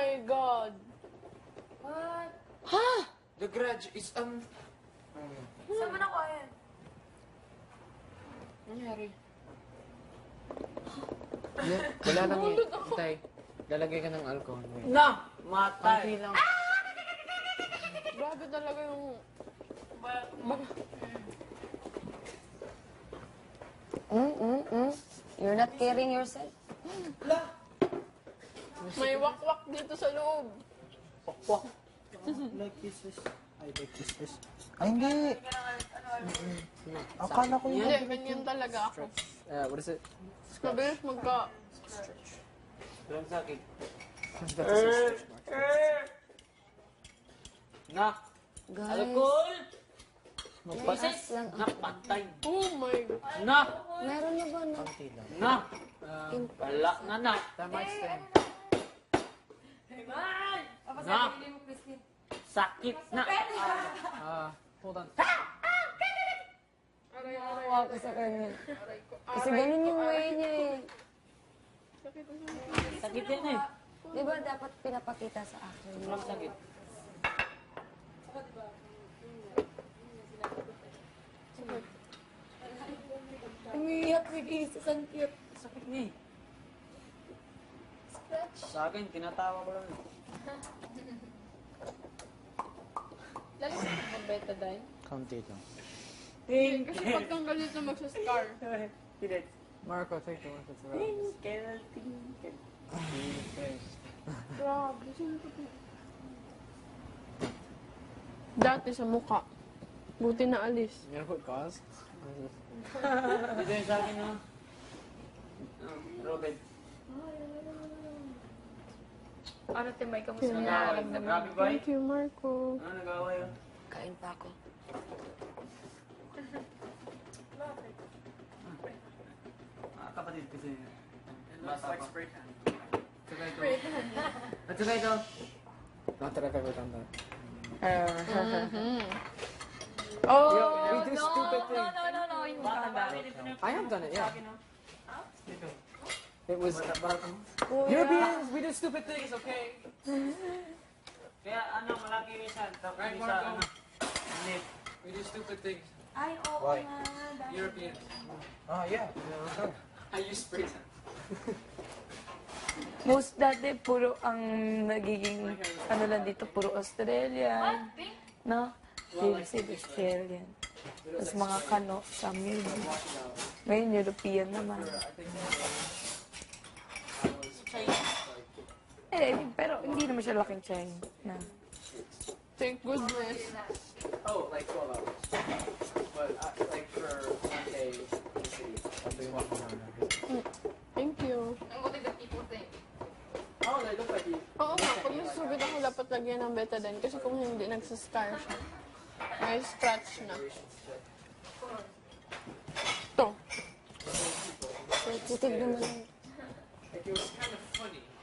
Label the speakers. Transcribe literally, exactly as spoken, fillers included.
Speaker 1: my God.
Speaker 2: What?
Speaker 1: Ha?
Speaker 3: The grudge is, um...
Speaker 2: Saan mo nakuha yan?
Speaker 3: Nangyari. Yeah, wala lang eh. Tay, lalagay ka ng alcohol. Wait.
Speaker 4: Na! Matay!
Speaker 3: Konti lang.
Speaker 1: Grabe talaga yung...
Speaker 5: Mm, mm, mm. You're not carrying yourself.
Speaker 1: May wakwak dito sa loob.
Speaker 4: Pokpok.
Speaker 6: Like kisses. I like kisses. Ay, hindi. Akala ko
Speaker 1: Hindi,
Speaker 6: yun.
Speaker 1: ganyan talaga ako.
Speaker 3: Uh, what is it?
Speaker 1: Mabilis magka...
Speaker 4: Walang sakit.
Speaker 3: That's a stretch mark.
Speaker 4: Nak!
Speaker 5: Guys,
Speaker 4: Alcohol!
Speaker 5: mataas lang.
Speaker 4: Nak, patay.
Speaker 1: Oh my God.
Speaker 4: Nak!
Speaker 5: Meron na ba na?
Speaker 3: Konti lang.
Speaker 4: Nak! Wala na, nak.
Speaker 3: Tama is ten.
Speaker 2: Tapos
Speaker 4: Na.
Speaker 2: sa mo, Christine.
Speaker 4: Sakit na.
Speaker 3: Ah, hold on.
Speaker 1: Aray, aray,
Speaker 5: Nakawa ko sa kanya.
Speaker 1: aray ko.
Speaker 5: Kasi ganun yung way niya eh.
Speaker 1: Sakit na
Speaker 4: Sakit yan eh.
Speaker 5: Di ba dapat pinapakita sa akin?
Speaker 4: Walang sakit.
Speaker 2: Umiiyak, may kisses. Ang cute.
Speaker 4: Sakit niya eh. Sa akin, tinatawa ko lang eh.
Speaker 1: Lalo sa mag-betadine.
Speaker 3: Konti lang.
Speaker 1: Kasi pag kang galit na magsascar.
Speaker 4: Pilit.
Speaker 3: Marco, take the one that's around.
Speaker 4: Tinkel, tinkel.
Speaker 1: Grabe, sino ko to? Dati sa mukha. Buti na alis.
Speaker 3: You know what caused?
Speaker 4: Dito yun sa akin, no? Um, Robin.
Speaker 2: Ano, Timay, kamusta
Speaker 1: Yun
Speaker 2: na?
Speaker 4: Nag-away. Grabe ba eh?
Speaker 1: Thank you, Marco.
Speaker 4: Ano, nag-away yun?
Speaker 5: Kain pa ako.
Speaker 4: Ah, kapatid kasi. Bata pa. Tsaka ito. At saka ito.
Speaker 3: Not that I've ever done that.
Speaker 1: Oh,
Speaker 3: we do
Speaker 2: No,
Speaker 3: stupid
Speaker 2: no,
Speaker 3: things.
Speaker 2: no, no, no. Yung
Speaker 4: Bata
Speaker 2: maganda.
Speaker 4: pa.
Speaker 3: I have done it, yeah.
Speaker 4: Ito.
Speaker 3: It was
Speaker 4: Bata.
Speaker 3: Europeans. We do stupid things, okay?
Speaker 4: Kaya ano, malaki yung isa. Tapos
Speaker 3: Right,
Speaker 4: yung isa,
Speaker 3: Marco?
Speaker 4: ano. Net.
Speaker 3: We do stupid things.
Speaker 2: Ay, oo
Speaker 6: Why?
Speaker 2: nga. dahil-
Speaker 3: Europeans.
Speaker 6: Ah, yeah.
Speaker 3: I use spray tan.
Speaker 2: Most dati, puro ang nagiging, ano lang dito, puro Australian. No? Hindi si Australian. Tapos mga kano, Samuel. Ngayon, European naman. Eh, pero hindi naman siya laking China. Na.
Speaker 1: thank goodness.
Speaker 3: Oh, like twelve hours. But uh, like for one day in the city, I'll be walking around.
Speaker 1: Thank you.
Speaker 3: Oh, they look like you.
Speaker 1: Oo nga, pag nasusugod ako, dapat lagyan ng betadine. Kasi kung hindi, nagsascar siya. May scratch na. Ito.
Speaker 5: Sensitive naman.
Speaker 3: Like it was kind of funny.